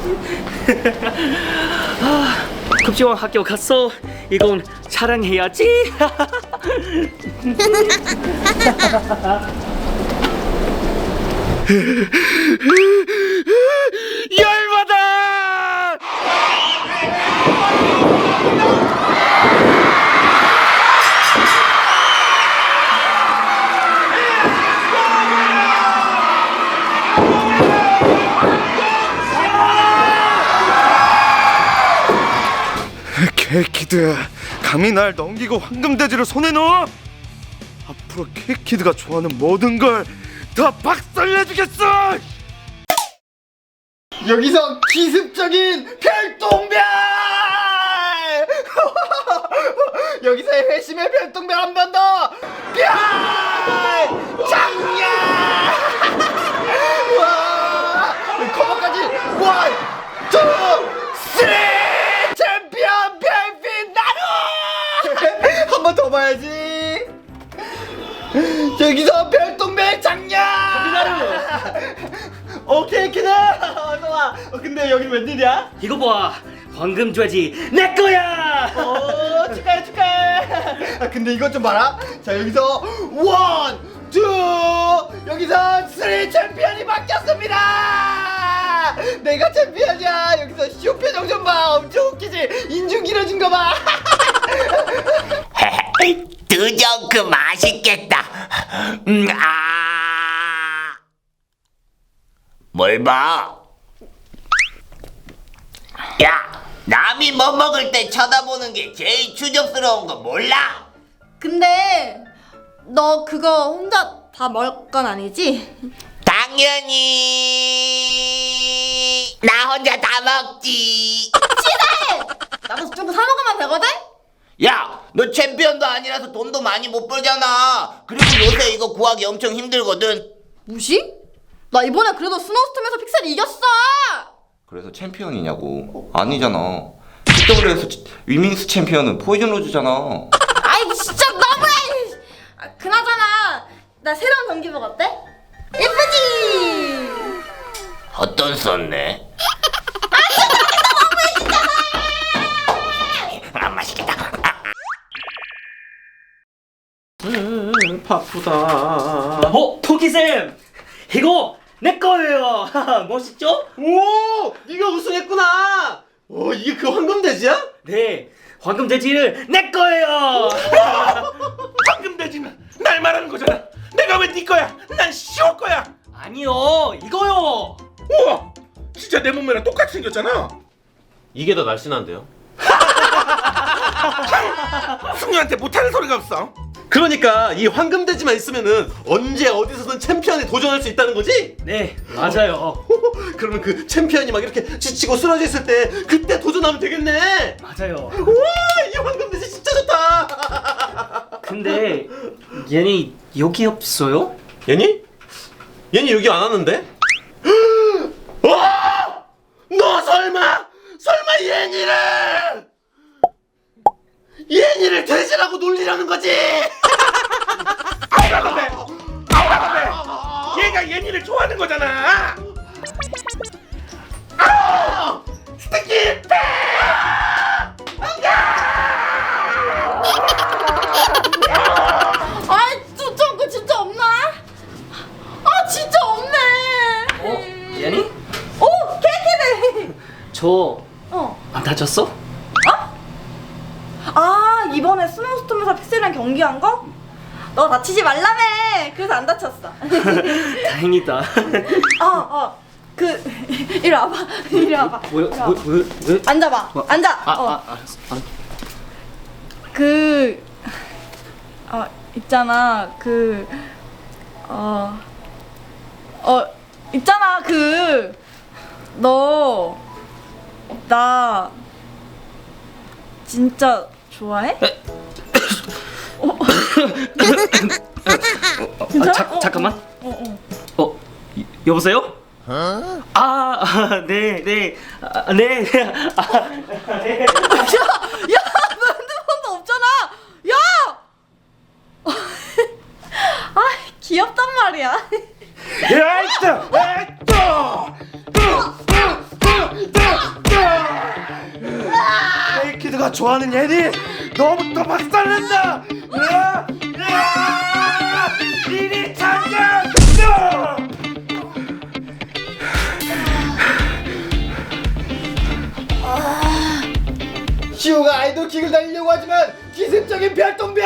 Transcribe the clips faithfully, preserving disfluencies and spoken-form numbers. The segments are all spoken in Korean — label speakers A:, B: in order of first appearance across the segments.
A: 아, 급식왕 학교 갔어. 이건 자랑해야지. 열받아!
B: 케이키드, 감히 날 넘기고 황금돼지를 손에 넣어? 앞으로 케이키드가 좋아하는 모든 걸 다 박살내주겠어!
C: 여기서 기습적인 별똥별! 여기서 회심의 별똥별 한 번 더! 별! 장렬! 와! 커버까지 원, 투, 쓰리! 챔피언 별빛 나루! 한 번 더 봐야지. 여기서 별똥별 장렬! 오케이 키다. 어서 와. 어, 근데 여기 웬일이야?
A: 이거 봐, 황금돼지 내 거야.
C: 오, 축하해 축하해. 아, 근데 이것 좀 봐라. 자, 여기서 원, 투, 여기서 쓰리 챔피언이 바뀌었습니다. 내가 챔피언이야. 여기서 쇼 표정 좀 봐. 엄청 웃기지? 인중 길어진 거 봐.
D: 드정크 맛있겠다. 음, 아. 뭘 봐? 야, 남이 뭐 먹을 때 쳐다보는 게 제일 추접스러운 거 몰라?
E: 근데 너 그거 혼자 다 먹을 건 아니지?
D: 당연히 나 혼자 다 먹지.
E: 치사해! 나도 좀 사 먹으면 되거든?
D: 야, 너 챔피언도 아니라서 돈도 많이 못 벌잖아. 그리고 요새 이거 구하기 엄청 힘들거든.
E: 무시? 나 이번에 그래도 스노우스톰에서 픽셀이 이겼어!
F: 그래서 챔피언이냐고. 아니잖아. 티더블유에서 위민스 챔피언은 포이즌 로즈잖아.
E: 아이 진짜 너무해! 아, 그나저나 나 새로운 경기복 어때? 예쁘지?
D: 어떤 썼네? 아, 맛있겠다. 아.
G: 음, 바쁘다.
A: 어, 토끼쌤, 이거 내 거예요. 멋있죠?
G: 오, 네가 우승했구나. 오, 이게 그 황금돼지야?
A: 네, 황금돼지를 내 거예요.
B: 황금돼지는 날 말하는 거잖아. 내가 왜 네 거야? 난 시올 거야.
A: 아니요, 이거요.
B: 우와, 진짜 내 몸매랑 똑같이 생겼잖아.
G: 이게 더 날씬한데요?
B: 승려한테 못하는 소리가 없어.
G: 그러니까 이 황금돼지만 있으면은 언제 어디서든 챔피언에 도전할 수 있다는 거지?
A: 네, 맞아요.
G: 그러면 그 챔피언이 막 이렇게 지치고 쓰러져 있을 때 그때 도전하면 되겠네.
A: 맞아요.
G: 우와, 이 황금돼지 진짜 좋다.
A: 근데 얘네 여기 없어요?
G: 얘니? 얘니 여기 안 왔는데?
B: 와! 너 설마 설마 예니를 예니를 돼지라고 놀리라는 거지? 아우라 건배, 아우라 건배. 얘가 예니를 좋아하는 거잖아. 아우! 스티키 백!
E: 아이 진짜 그 진짜 없나? 아 진짜 없네!
A: 어, 얘네?
E: 오! 케이크네!
A: 저
E: 어.
A: 안 다쳤어?
E: 아 이번에 스노우스톰에서 픽셀이랑 경기한 거? 너 다치지 말라며! 그래서 안 다쳤어.
A: 다행이다.
E: 어, 어. 그 이리 와봐. 이리 와봐.
A: 뭐야,
E: 이리
A: 뭐,
E: 와봐.
A: 뭐, 왜?
E: 앉아봐.
A: 뭐?
E: 앉아.
A: 아,
E: 어.
A: 아, 알았어. 아.
E: 그, 어, 있잖아. 그, 어, 어, 있잖아. 그, 너, 나, 진짜 좋아해? 어?
A: 아, 자, 잠깐만.
E: 어, 어.
A: 어, 이- 여보세요? 아, 아, 네, 네, 아, 네, 아, 네.
E: 야, 야, 너 핸드폰도 없잖아. 야, 아, 귀엽단 말이야.
B: 야, 있다, 있다. 좋아하는 예니 너부터 박살낸다. 으아! 으아! 이리 장전!
C: 시우가 아이돌킥을 달리려고 하지만 기습적인 별똥별.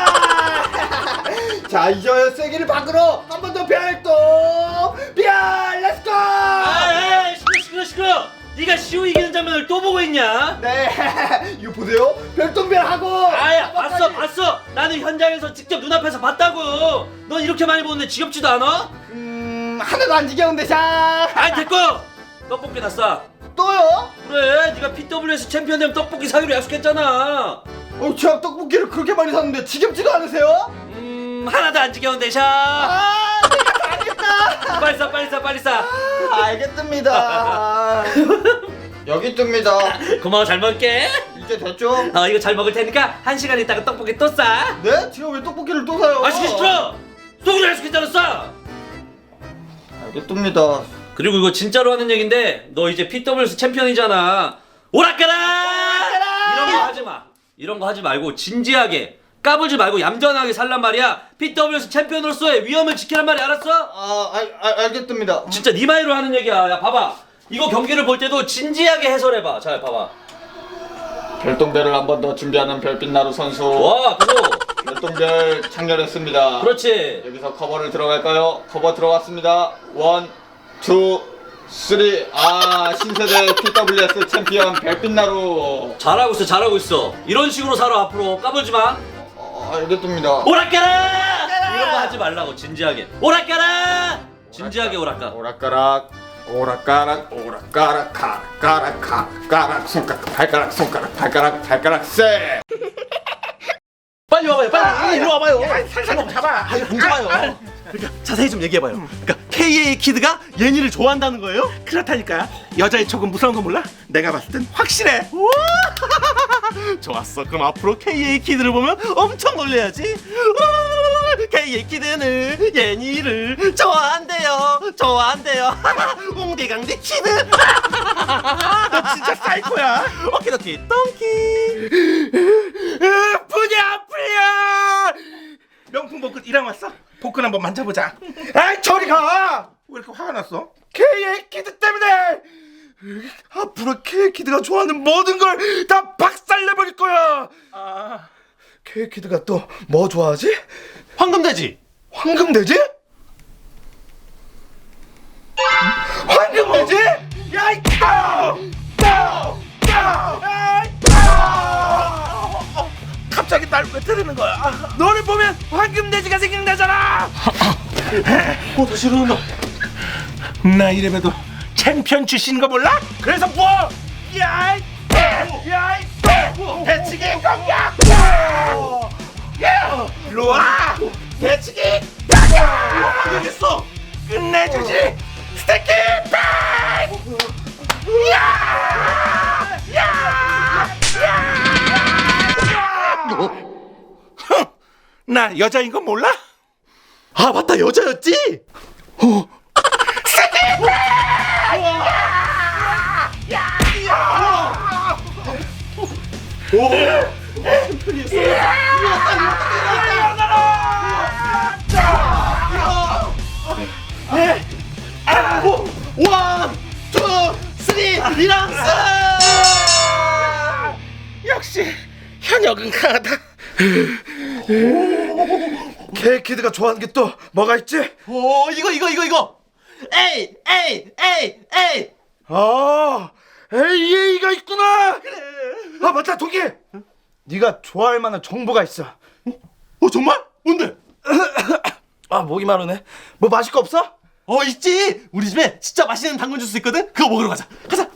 C: 자 이제 세기를 밖으로 한 번 더 별똥별. 렛츠고.
A: 아, 에이, 시끄러 시끄러 시끄러. 네가 시우 이기는 장면을 또 보고 있냐?
C: 네 이거 보세요. 별똥별 하고.
A: 아야, 봤어 봤어. 나는 현장에서 직접 눈앞에서 봤다고. 넌 이렇게 많이 보는데 지겹지도 않아?
C: 음 하나도 안 지겨운데 자.
A: 아이, 됐고. 떡볶이 다 싸.
C: 또요?
A: 그래, 네가 피더블유에스 챔피언 되면 떡볶이 사기로 약속했잖아.
C: 어, 제가 떡볶이를 그렇게 많이 샀는데 지겹지도 않으세요?
A: 음, 하나도 안 지겨운데 샤.
C: 아, 내가 알겠다.
A: 빨리 싸 빨리 싸 빨리 싸.
C: 알겠습니다. 여기 있습니다.
A: 고마워, 잘 먹을게.
C: 이제 됐죠?
A: 어, 이거 잘 먹을 테니까 한 시간 있다가 떡볶이 또 싸.
C: 네? 제가 왜 떡볶이를 또 사요?
A: 아, 시키 시켜. 속으로 약속했잖아, 싸.
C: 알겠습니다.
A: 그리고 이거 진짜로 하는 얘긴데 너 이제 피더블유에스 챔피언이잖아. 오락가라! 이런 거 하지 마. 이런 거 하지 말고 진지하게 까불지 말고 얌전하게 살란 말이야. 피더블유에스 챔피언으로서의 위험을 지키란 말이야, 알았어?
C: 아, 알, 알, 알겠습니다.
A: 진짜 네 말로 하는 얘기야. 야, 봐봐. 이거 경기를 볼 때도 진지하게 해설해봐. 자, 봐봐.
C: 별똥별을 한 번 더 준비하는 별빛나루 선수.
A: 와, 그거.
C: 별똥별 창렬했습니다.
A: 그렇지.
C: 여기서 커버를 들어갈까요? 커버 들어갔습니다. 원, 투, 쓰리. 아, 신세대 피더블유에스 챔피언 별빛나루.
A: 잘하고 있어, 잘하고 있어. 이런 식으로 살아, 앞으로. 까불지 마.
C: 어, 알겠습니다.
A: 오락가라! 이런 거 하지 말라고, 진지하게. 오락가라! 진지하게 오락가.
C: 오락가락, 오락가락, 오락가락, 가락, 가락, 가락, 손가락, 발가락, 손가락, 발가락, 발가락, 세.
G: 빨리 와봐요. 빨리 일로 와봐요.
B: 살살 좀 잡아.
G: 아니 안 좋아요. 그러니까 자세히 좀 얘기해봐요. 그러니까 케이에이 키드가 예니를 좋아한다는 거예요?
B: 그렇다니까. 여자의 촉은 무서운 거 몰라? 내가 봤을 땐 확실해.
G: 우와! 좋았어. 그럼 앞으로 케이에이 키드를 보면 엄청 놀래야지. 우와! 케이에이 키드는 예니를 좋아한대요. 좋아한대요. 옹대강대 키드.
B: 너 진짜 사이코야.
G: 오키도키 똥키.
B: 부냐 아프냐. 명품 복근 일하고 왔어? 복근 한번 만져보자. 아이 저리 가. 왜 이렇게 화가 났어? 케이에이 키드 때문에. 앞으로 케이에이 키드가 좋아하는 모든 걸 다 박살내버릴 거야. 아, 케이에이 키드가 또 뭐 좋아하지?
G: 황금돼지.
B: 황금돼지? 황금돼지? 야 이 따! 따! 따! 아이, 따! 갑자기 날 왜 때리는 거야? 아, 너를 보면 황금돼지가 생각나잖아.
G: 어 다시 일어난다.
B: 나 이래봬도 챔피언 출신인 거 몰라? 그래서 뭐? 야이! 야이! 대치기 공격! 야! 일로 와! 대치기! 공격! 되겠어! 끝내주지! 스테이키 백! 야! 야! 야! 흥! 나 여자인 거 몰라?
G: 아 맞다 여자였지? 원, 투, 쓰리, 리랑스!
B: 역시 현역은 강하다. 케이키드가 좋아하는 게 또 뭐가 있지?
G: 오 이거 이거 이거 이거! 에이 에이 에이 에이!
B: 아, 에이에이가 있구나. 아 맞다, 동기. 네가 좋아할 만한 정보가 있어.
G: 어 정말? 뭔데?
B: 아 목이 마르네. 뭐 마실 거 없어?
G: 어 있지! 우리 집에 진짜 맛있는 당근 주스 있거든? 그거 먹으러 가자 가자!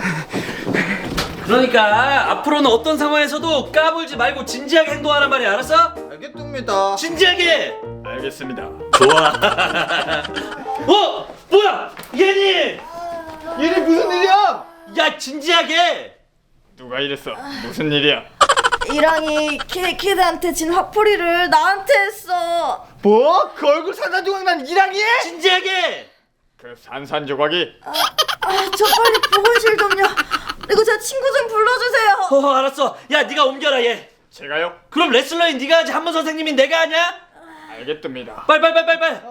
A: 그러니까 앞으로는 어떤 상황에서도 까불지 말고 진지하게 행동하란 말이야, 알았어?
C: 알겠습니다.
A: 진지하게!
B: 알겠습니다.
A: 좋아. 어? 뭐야? 예니!
C: 얘네 무슨 일이야?
A: 야, 진지하게!
B: 누가 이랬어? 무슨 일이야?
E: 이랑이 키, 키드한테 진 화풀이를 나한테 했어.
C: 뭐? 그 얼굴 산산조각난 이랑이?
A: 진지하게!
B: 그 산산조각이
E: 아, 저 빨리 보건실 좀요. 그리고 제 친구 좀 불러주세요.
A: 어 알았어. 야 네가 옮겨라 얘.
C: 제가요?
A: 그럼 레슬러인 네가 하지 한문 선생님인 내가 하냐?
C: 알겠습니다.
A: 빨리 빨리 빨리 빨리 빨리.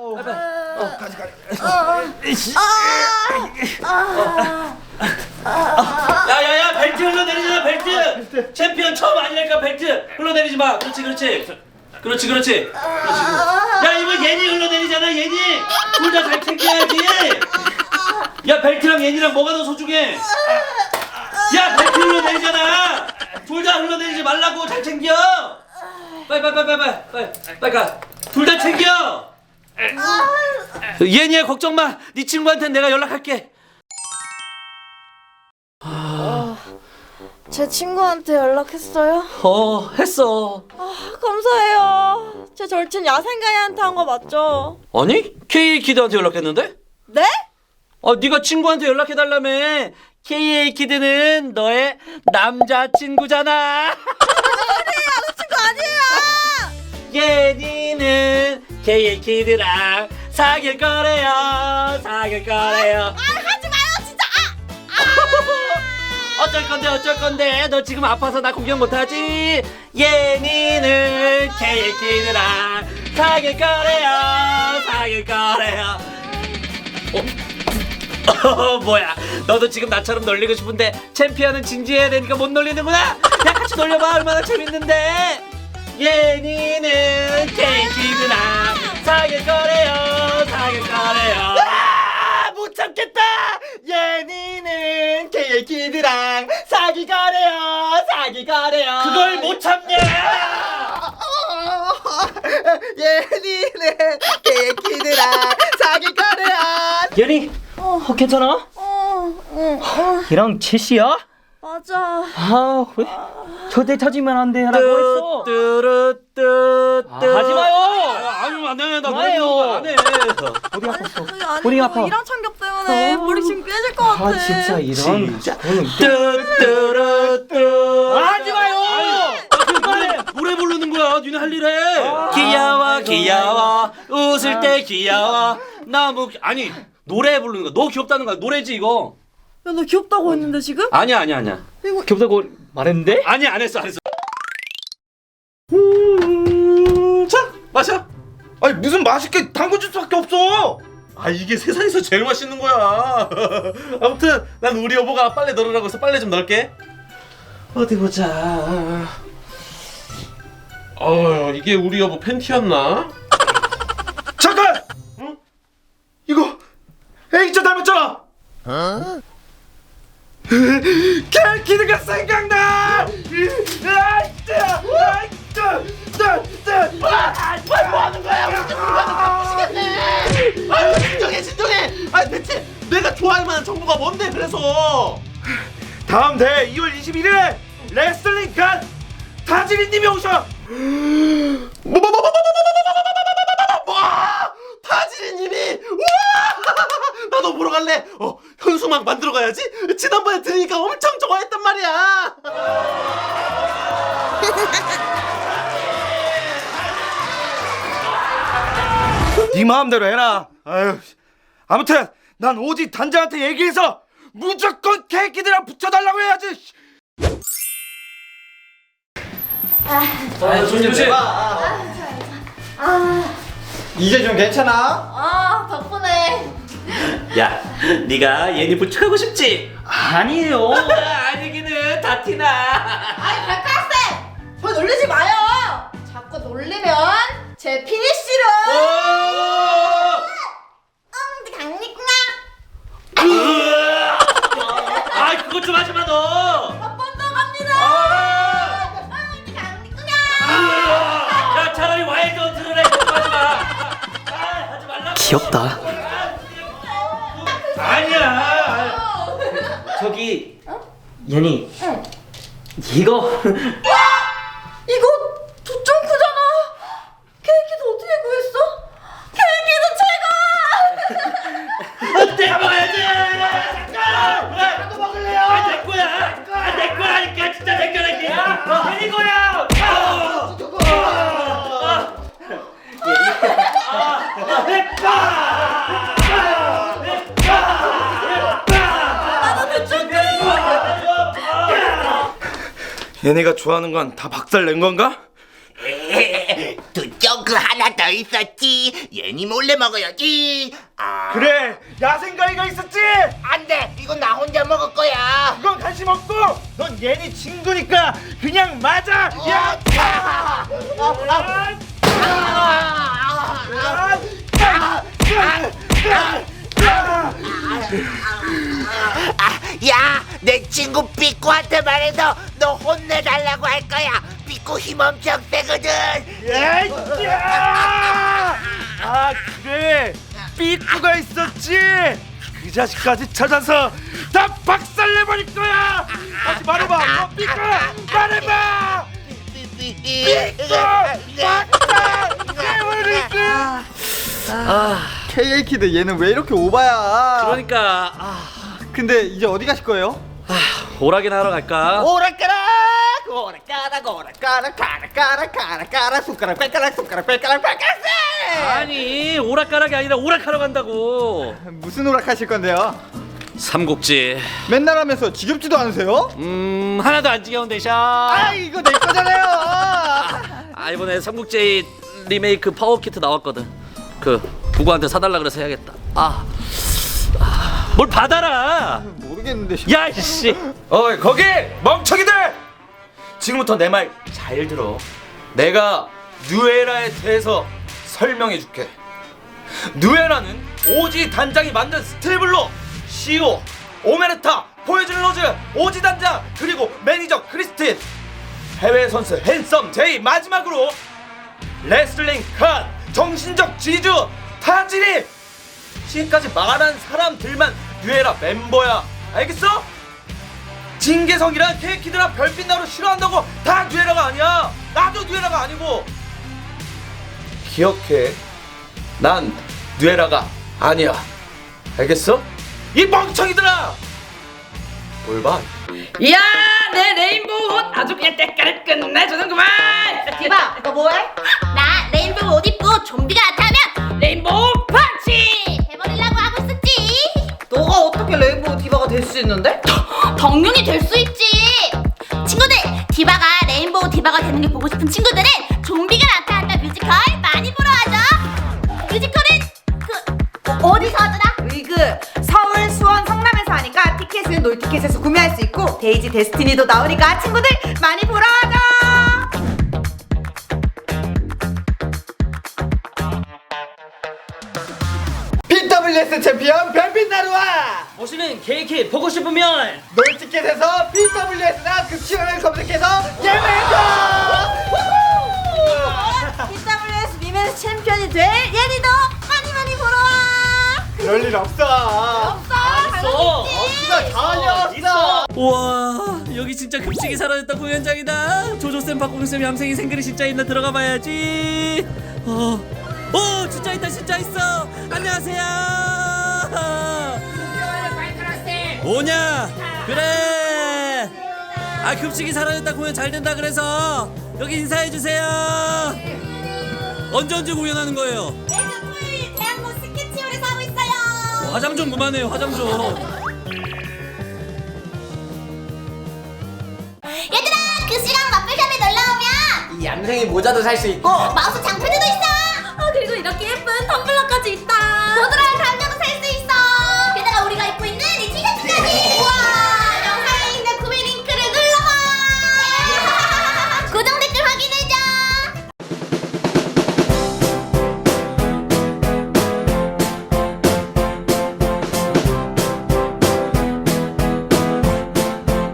A: 야야야 벨트 흘러내리잖아 벨트. 챔피언 처음 아니니까 벨트 흘러내리지 마. 그렇지 그렇지. 그렇지 그렇지. 그렇지. 야 이거 예니 흘러내리잖아 예니. 둘 다 잘 챙겨야지. 야 벨트랑 예니랑 뭐가 더 소중해? 야 벨트 흘러내리잖아. 둘 다 흘러내리지 말라고 잘 챙겨. 빨리 빨리 빨리 빨리 빨리 빨리 가. 둘 다 챙겨. 예니야 걱정 마. 네 친구한테 내가 연락할게.
E: 제 친구한테 연락했어요?
A: 어 했어.
E: 아, 감사해요. 제 절친 야생가이한테 한 거 맞죠?
A: 아니 케이에이 키드한테 연락했는데?
E: 네?
A: 아 네가 친구한테 연락해달라며. 케이에이 키드는 너의 남자친구잖아.
E: 친구 아니에요.
A: 예니는 케이에이 키드랑 사귈 거래요. 사귈 거래요.
E: 아, 하지 마요 진짜.
A: 어쩔 건데 어쩔 건데 너 지금 아파서 나 구경 못하지? 예니는 케이에이 키드랑 사귈 거래요. 사귈 거래요. 어? 어 뭐야 너도 지금 나처럼 놀리고 싶은데 챔피언은 진지해야 되니까 못 놀리는구나. 야 같이 놀려봐. 얼마나 재밌는데. 예니는 케이에이 키드랑 사귈 거래요. 사귈 거래요.
C: 못 참겠다. 예니는 케이에이 키드랑 사귀 거래요. 사귀 거래요.
A: 그걸 못 참냐.
C: 예니는 케이에이 키드랑 사귀 거래요.
H: 예니, 어, 괜찮아?
E: 어, 어, 어,
H: 얘랑 제시야?
E: 맞아.
H: 아, 왜? 절대 찾으면 안 돼, 라고 했어.
A: 뚜루뚜뚜.
H: 아, 하지 마요.
A: 아니 안해. 나
H: 그만해요.
A: 그런 안 해.
H: 어디 아팠어?
E: 그게 아니고
H: 머리가 아파.
E: 이랑 참겹 때문에 머리 지금 깨질 것 같아.
H: 아, 진짜 이런. 오늘
A: 뚜뚜루뚜.
H: 하지 마요.
A: 노래, 노래 부르는 거야. 니네 할 일 해. 귀여워 귀여워. 웃을 때 귀여워. 너무 귀- 아니 노래 부르는 거. 너 귀엽다는 거야. 노래지 이거.
E: 야, 너 귀엽다고 했는데 지금?
A: 아니야 아니야 아니야.
E: 이거
H: 귀엽다고 말했는데?
A: 아니 안 했어 안 했어.
G: 자 마셔.
B: 아니 무슨 맛있게 당근 주스밖에 없어.
G: 아 이게 세상에서 제일 맛있는 거야. 아무튼 난 우리 여보가 빨래 널으라고 해서 빨래 좀 널게. 어디 보자. 어 이게 우리 여보 팬티였나?
B: 잠깐. 응? 이거 A자 닮았잖아. 캘키드가 생각나. 아이짜, 아이짜, 짜, 짜.
G: 뭐 하는 거야? 우리 집 물건을 바꾸시겠네. 아유 진정해 진정해. 아 대체 내가 좋아할 만한 정보가 뭔데 그래서.
B: 다음 대회 이월 이십일일에 레슬링 간 타지리님이 오셔.
G: 뭐? 타지리님이 와! 나도 보러 갈래. 어 현수막 만들어 가야지. 지난번에 들으니까 엄청 좋아했단 말이야.
B: 네 마음대로 해라. 아유, 아무튼 난 오직 단장한테 얘기해서 무조건 캘키드랑 붙여달라고 해야지.
A: 아 조심 조심.
C: 이제 좀 괜찮아?
E: 아, 덕분에.
A: 야 네가 예니 부축하고 싶지?
H: 아니에요.
A: 아니기는 다 티나.
E: 아이, 백학생! 저 놀리지 마요! 자꾸 놀리면 제 피니쉬로! 응, 강리구나!
A: 아 그것 좀 하지 마 너.
E: 한 번 더 갑니다! 응, 강리구나!
A: 야 차라리 와일드 헌트를 해. 그것 좀 하지 마. 아 하지 말라고.
H: 귀엽다.
A: 아니야.
H: 저기, 예니. 이거.
E: 이거 좀 크잖아! 케이크도 어떻게 구했어? 케이크도 최고!
A: 내가 먹어야지. 잠깐. 나도 먹을래요. 아내 거야. 아내 거라니까 진짜 내 거라니까. 너 내 거야. 내 거.
E: 나도 그쪽
B: 얘네가 좋아하는 건 다 박살 낸 건가?
D: 두 쫑크 하나 더 있었지. 얘니 몰래 먹어야지. 아,
B: 그래, 야생가위가 있었지.
D: 안돼. 이건 나 혼자 먹을 거야.
B: 그건 간식 먹고, 넌 얘네 친구니까 그냥 맞아. 야! 아! 아!
D: 아, 야, 내 친구 삐꾸한테 말해서 너 혼내달라고 할 거야. 삐꾸 힘 엄청 세거든.
B: 야! 아, 그래, 삐꾸가 있었지. 그 자식까지 찾아서 다 박살내버릴 거야. 다시 말해봐, 너 삐꾸 말해봐. 삐꾸 박살내버릴 거야.
C: 케이에이키드 얘는 왜 이렇게 오바야?
A: 그러니까 아,
C: 근데 이제 어디 가실 거예요?
A: 오락이나 하러 갈까?
C: 오락가락 오락가락 오락가락 가락가락 가락가락 손가락 발가락 손가락 발가락 발가락.
A: 아니 오락가락이 아니라 오락하러 간다고.
C: 무슨 오락 하실 건데요?
A: 삼국지.
C: 맨날 하면서 지겹지도 않으세요?
A: 음 하나도 안 지겨운데 샤.
C: 아 이거 내 거잖아요.
A: 아 이번에 삼국지 리메이크 파워키트 나왔거든. 그 부구한테 사달라 그래서 해야겠다. 아, 아, 뭘 받아라.
C: 모르겠는데.
A: 야 이씨.
B: 어이 거기 멍청이들! 지금부터 내 말 잘 들어. 내가 누에라에 대해서 설명해줄게. 누에라는 오지 단장이 만든 스테이블로 시오, 오메르타, 포이즌 로즈, 오지 단장 그리고 매니저 크리스틴, 해외 선수 핸섬 제이, 마지막으로 레슬링 칸, 정신적 지주 타지리, 지금까지 말한 사람들만 뉴에라 멤버야. 알겠어? 진계성이랑 케이키드랑 별빛나루 싫어한다고 다 뉴에라가 아니야. 나도 뉴에라가 아니고. 기억해, 난 뉴에라가 아니야. 알겠어? 이 멍청이들아. 뭘 봐?
I: 이야 내 레인보우 옷 아주 그냥 때깔을 끝내주는구만.
E: 디바, 너 뭐해? 나 레인보우 옷 입고 좀비가 나타나면
I: 레인보우 펀치.
E: 해버리려고 하고 있었지.
I: 너가 어떻게 레인보우 디바가 될 수 있는데?
E: 당연히 될 수 있지. 친구들, 디바가 레인보우 디바가 되는 게 보고 싶은 친구들은 좀비가 나타난다 뮤지컬 많이 보러 와줘. 뮤지컬은 그 어, 어디서 하더라?
I: 으이그 서울, 수원, 성남에서 하니까 티켓은 놀티켓에서 구매할 수 있고 데이지 데스티니도 나오니까 친구들 많이 보러 와줘.
C: 피더블유에스 챔피언 별빛나루와
H: 보시는 케이키 보고 싶으면
C: 놀티켓에서 피더블유에스나 급식원을 검색해서 예매해줘.
E: 피더블유에스 위메ン스 챔피언이 될 예리도 많이 많이 보러 와.
C: 그럴 일 없어.
E: 없어.
H: 알았어.
C: 이거 전혀 없어.
H: 우와 여기 진짜 급식이 사라졌다 공연장이다. 조조쌤 박공쌤 얌생이 생글이 진짜 있나 들어가 봐야지. 어, 오 진짜 있다 진짜 있어. 안녕하세요. 뭐냐 그래. 아 급식이 사라졌다 공연 잘 된다 그래서 여기 인사해 주세요. 언제 언제 공연하는 거예요?
E: 매주 토요일 대학로 스케치홀에서 하고 있어요.
H: 화장 좀 그만해요 화장 좀.
E: 얘들아, 그 시간 마플샵에 놀러 오면
C: 이 얌생이 모자도 살 수 있고
E: 마우스 장패도